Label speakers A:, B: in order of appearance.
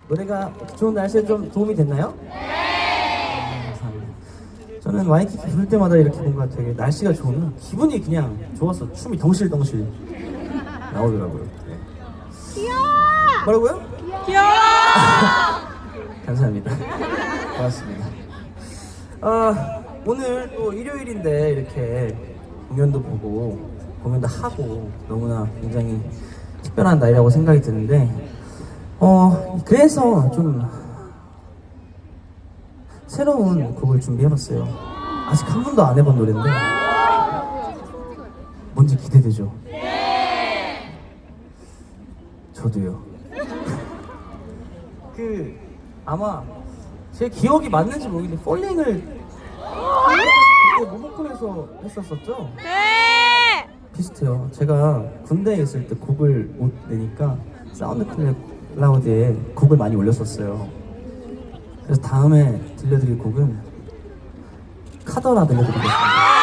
A: 노래가 좋은 날씨에 좀 도움이 됐나요? 네. 감사합니다. 저는 와이키키 부를 때마다 이렇게 뭔가 되게 날씨가 좋으면 기분이 그냥 좋아서 춤이 덩실덩실 나오더라고요. 네.
B: 귀여워!
A: 뭐라고요?
B: 귀여워!
A: 감사합니다. 고맙습니다. 오늘 또 일요일인데 이렇게 공연도 보고 공연도 하고 너무나 굉장히 특별한 날이라고 생각이 드는데 그래서 좀 새로운 곡을 준비해봤어요. 아직 한 번도 안 해본 노래인데 뭔지 기대되죠? 저도요. 아마 제 기억이 맞는지 모르겠는데 폴링을 그때 모모콘에서 했었었죠?
B: 네!
A: 비슷해요. 제가 군대에 있을 때 곡을 못 내니까 사운드 클라우드에 곡을 많이 올렸었어요. 그래서 다음에 들려드릴 곡은 카더라 들려드리겠습니다.